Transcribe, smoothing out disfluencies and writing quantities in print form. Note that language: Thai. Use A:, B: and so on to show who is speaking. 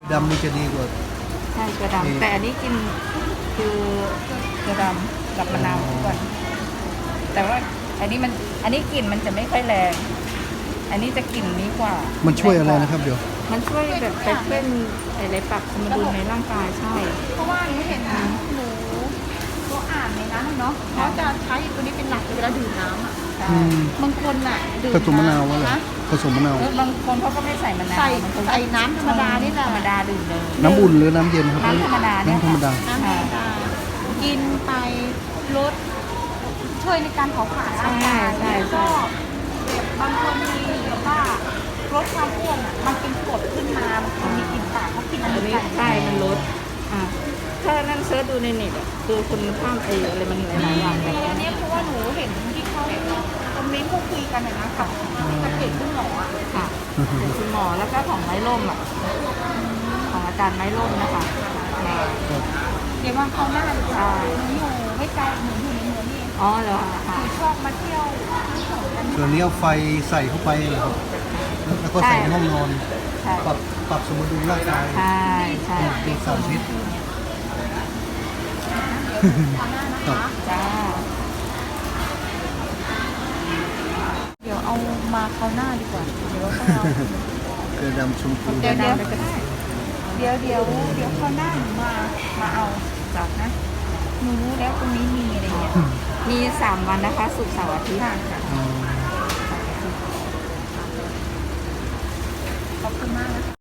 A: ดำนี่จะดีกว่า
B: ใช่เกลือดำแต่อันนี้กินคือเกลือดำกับมะนาวทุกวันแต่ว่าอันนี้กลิ่นมันจะไม่ค่อยแรง อันนี้จะกลิ่นนี้กว่า
A: มั
B: มัน
A: ช่วยอะไรนะครับเดี๋ยว
B: มันช่วยแบบไปเป็นอะไรปรับสมดุลในร่างกายใช่
C: เพราะว่าหนูเห็นหนูเขาอ่านในนั้นเนาะเขาจะใช้ตัวนี้เป็นหลักเวลาดื่มน้ำอ่ะ
A: อืม
C: บางคนอ่ะดื่ม
A: ผสมมะนาววะเหรอ
C: นะ
A: ผสมมะนาว
B: บางคนเขาก็ไม่ใส่มะนาว
C: ใส่
B: บางคน
C: ใส่น้ำธรรมดานี่แหละ
B: ธรรมดาดื่มเลย
A: น้ำอุ่นหรือน้ำเย็นครับ
B: น้ำธรรมดาเนี่ย
A: น้ำธรรมดา
C: น้ำธรรมดากินไปลดช่วยในการเผาผลาญร่างกาย
B: ใช่
C: แล้วก็แบบบางคนมีแบบว่าลดความอ้วนอ่ะมันเป็นกรดขึ้นมาบางคนมีกลิ่นปากเขากินอัน
B: อัน
C: นี้
B: นี้
C: ไป
B: ใช่มันลดถ้านั่นเซิร์ชดูในเน็ตอะคือคุณข้ามอะไรมันหลายๆอย่างแบบ
C: อันนี้เพราะว่าหนูเห็นที่เขาคอมเมนต์เขาคุยกันนะกับเพจคุณหมออ่ะ
B: ค่ะเป็นคุณหมอแล้วก็ของไม้ร่มอ่ะของอาจารย์ไม้ร่มนะคะ
C: เดี๋ยววันเขาวหน้าหนู
B: ใช่
C: อยู่ไม่ไกลหนูอยู่ในเมืองนี่เอง
B: อ๋อเหรอ
C: ห
B: ค่ะ
C: นูชอบมาเที่ยวกัน
A: ส่วนนี้เอาไฟใส่เข้าไปเหรอครับแล้วก็ใส่ในห้องนอน
B: ใช่
A: ปรับสมดุลร่างกาย
B: ใช่ใช่
A: ดูสารพิษ
C: คราวหน้านะคะ
B: จ้า
C: เดี๋ยวเอามาคราวหน้าดีกว่า เดี๋ยวต้องเอา
A: เกลือดำชมพู
B: เดี๋ยวดำไปก็ได้
C: เดี๋ยวคราวหน้าหนูมาเอาจากนะ หนูรู้แล้วตรงนี้มีอะไรเงี้ย
B: มี3 วันนะคะศุกร์เสาร์อาทิตย์
A: อ๋อ
C: ขอบคุณมากนะคะ